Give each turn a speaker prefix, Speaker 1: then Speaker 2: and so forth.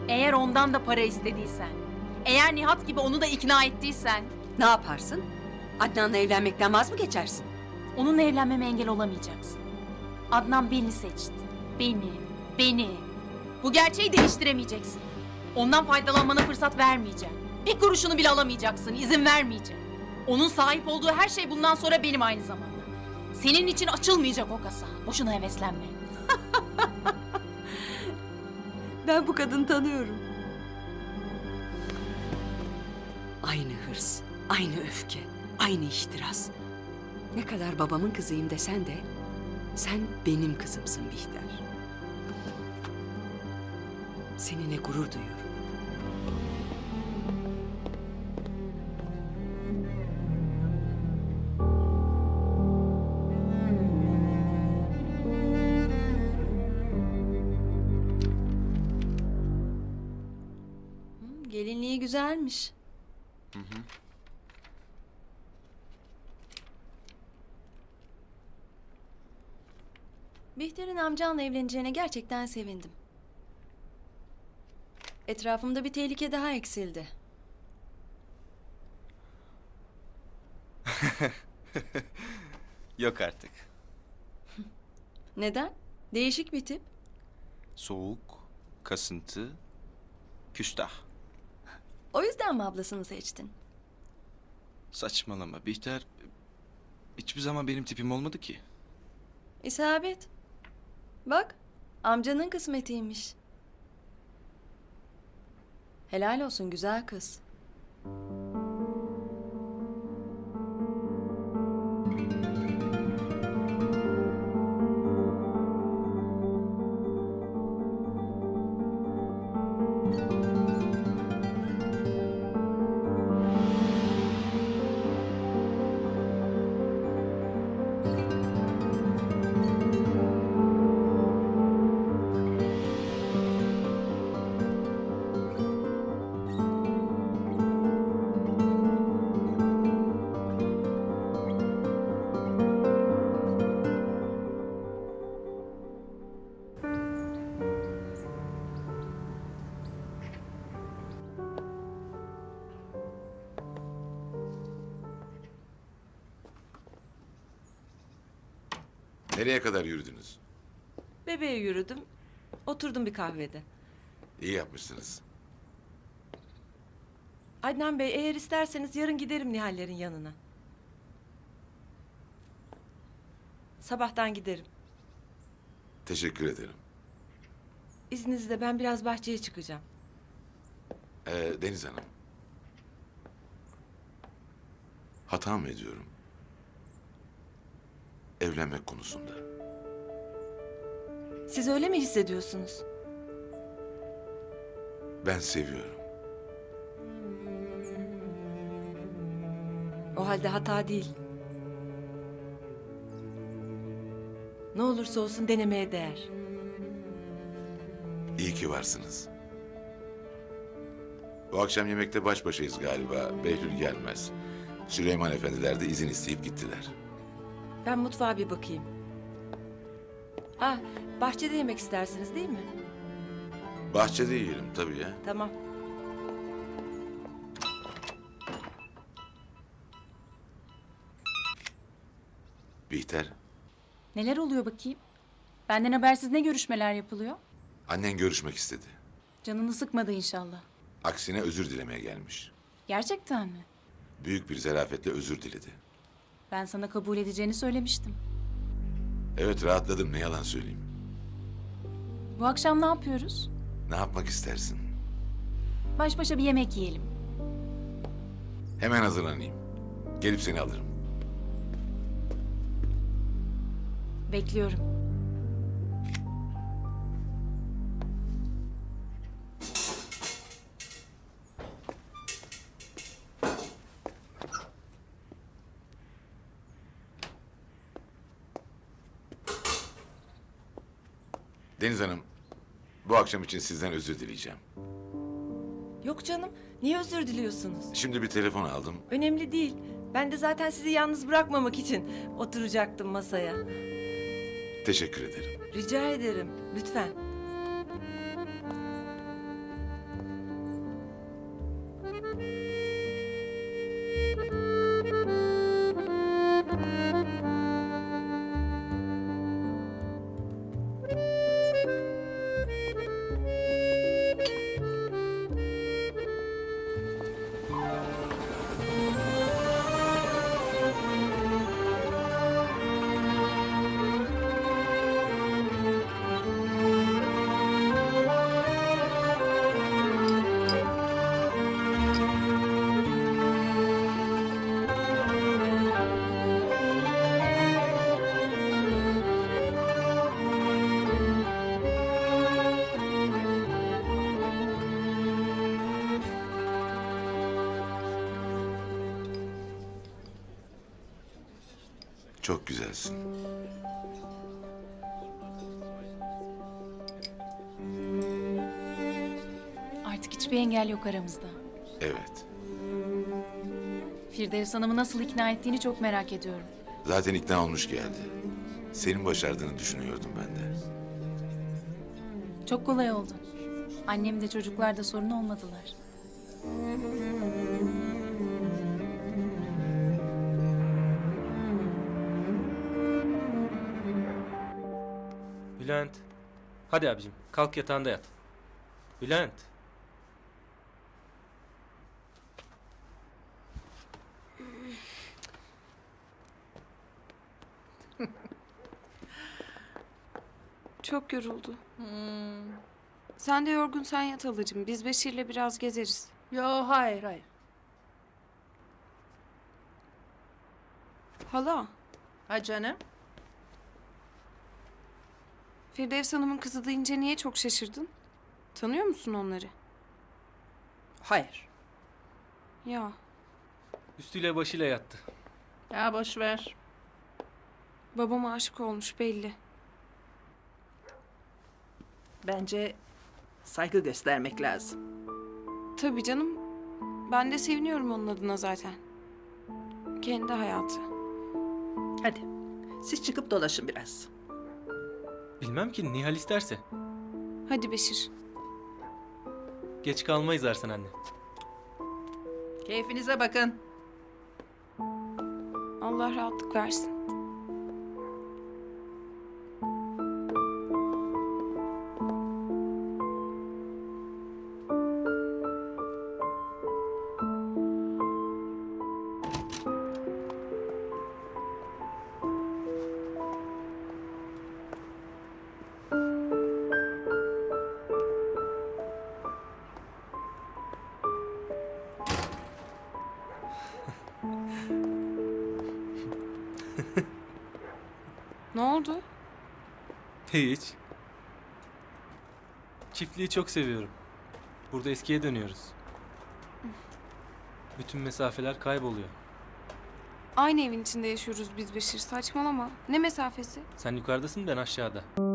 Speaker 1: Eğer ondan da para istediysen, eğer Nihat gibi onu da ikna ettiysen...
Speaker 2: Ne yaparsın? Adnan'la evlenmekten vaz mı geçersin?
Speaker 1: Onunla evlenmeme engel olamayacaksın. Adnan beni seçti. Beni. Bu gerçeği değiştiremeyeceksin. Ondan faydalanmana fırsat vermeyeceğim. Bir kuruşunu bile alamayacaksın, izin vermeyeceğim. Onun sahip olduğu her şey bundan sonra benim aynı zamanda. Senin için açılmayacak o kasa. Boşuna heveslenme.
Speaker 2: Ben bu kadını tanıyorum. Aynı hırs, aynı öfke, aynı ihtiras. Ne kadar babamın kızıyım desen de sen benim kızımsın Bihter. Seninle gurur duyuyorum.
Speaker 3: Gelinliği güzelmiş. Bihter'in amcanla evleneceğine gerçekten sevindim. Etrafımda bir tehlike daha eksildi.
Speaker 4: Yok artık.
Speaker 3: Neden? Değişik bir tip.
Speaker 4: Soğuk, kasıntı, küstah.
Speaker 3: O yüzden mi ablasını seçtin?
Speaker 4: Saçmalama Bihter. Hiçbir zaman benim tipim olmadı ki.
Speaker 3: İsabet. Bak, amcanın kısmetiymiş. Helal olsun güzel kız.
Speaker 5: Nereye kadar yürüdünüz?
Speaker 6: Bebeğe yürüdüm. Oturdum bir kahvede.
Speaker 5: İyi yapmışsınız.
Speaker 6: Adnan Bey eğer isterseniz yarın giderim Nihallerin yanına. Sabahtan giderim.
Speaker 5: Teşekkür ederim.
Speaker 6: İzninizle ben biraz bahçeye çıkacağım.
Speaker 5: Deniz Hanım. Hata mı ediyorum? Evlenmek konusunda.
Speaker 6: Siz öyle mi hissediyorsunuz?
Speaker 5: Ben seviyorum.
Speaker 6: O halde hata değil. Ne olursa olsun denemeye değer.
Speaker 5: İyi ki varsınız. Bu akşam yemekte baş başayız galiba. Behlül gelmez. Süleyman efendiler de izin isteyip gittiler.
Speaker 6: Ben mutfağa bir bakayım. Ha, bahçede yemek istersiniz değil mi?
Speaker 5: Bahçede yiyelim tabii ya.
Speaker 6: Tamam.
Speaker 5: Bihter,
Speaker 1: Neler oluyor bakayım? Benden habersiz ne görüşmeler yapılıyor?
Speaker 5: annen görüşmek istedi.
Speaker 1: Canını sıkmadı inşallah.
Speaker 5: Aksine özür dilemeye gelmiş.
Speaker 1: Gerçekten mi?
Speaker 5: Büyük bir zarafetle özür diledi.
Speaker 1: Ben sana kabul edeceğini söylemiştim.
Speaker 5: Evet, rahatladım, ne yalan söyleyeyim.
Speaker 1: Bu akşam ne yapıyoruz?
Speaker 5: Ne yapmak istersin?
Speaker 1: Baş başa bir yemek yiyelim.
Speaker 5: Hemen hazırlanayım. Gelip seni alırım.
Speaker 1: Bekliyorum.
Speaker 5: Deniz Hanım, bu akşam için sizden özür dileyeceğim.
Speaker 6: Yok canım, niye özür diliyorsunuz?
Speaker 5: Şimdi bir telefon aldım.
Speaker 6: Önemli değil. Ben de zaten sizi yalnız bırakmamak için oturacaktım masaya.
Speaker 5: Teşekkür ederim.
Speaker 6: Rica ederim, lütfen.
Speaker 5: Çok güzelsin.
Speaker 1: Artık hiçbir engel yok aramızda.
Speaker 5: Evet.
Speaker 1: Firdevs Hanım'ı nasıl ikna ettiğini çok merak ediyorum.
Speaker 5: Zaten ikna olmuş geldi. Senin başardığını düşünüyordum ben de.
Speaker 1: Çok kolay oldu. Annem de çocuklar da sorun olmadılar.
Speaker 7: Bülent. Hadi abicim kalk yatağında yat. Bülent.
Speaker 8: Çok yoruldu. Sen de yorgunsan yat halacığım. Biz Beşir'le biraz gezeriz.
Speaker 9: Yo, hayır hayır.
Speaker 8: Hala,
Speaker 9: Ha canım?
Speaker 8: Firdevs Hanım'ın kızı deyince niye çok şaşırdın? Tanıyor musun onları?
Speaker 9: Hayır.
Speaker 8: Ya,
Speaker 7: Üstüyle başıyla yattı.
Speaker 9: Ya boş ver.
Speaker 8: babama aşık olmuş belli.
Speaker 9: Bence saygı göstermek lazım.
Speaker 8: Tabii canım. Ben de seviniyorum onun adına zaten. Kendi hayatı.
Speaker 9: Hadi. Siz çıkıp dolaşın biraz.
Speaker 7: Bilmem ki Nihal isterse.
Speaker 8: Hadi Beşir.
Speaker 7: Geç kalmayız Ersen anne.
Speaker 9: Keyfinize bakın.
Speaker 8: Allah rahatlık versin. Ne oldu?
Speaker 7: Hiç. Çiftliği çok seviyorum. Burada eskiye dönüyoruz. Bütün mesafeler kayboluyor.
Speaker 8: Aynı evin içinde yaşıyoruz biz Beşir. Saçmalama. Ne mesafesi?
Speaker 7: Sen yukarıdasın, ben aşağıda.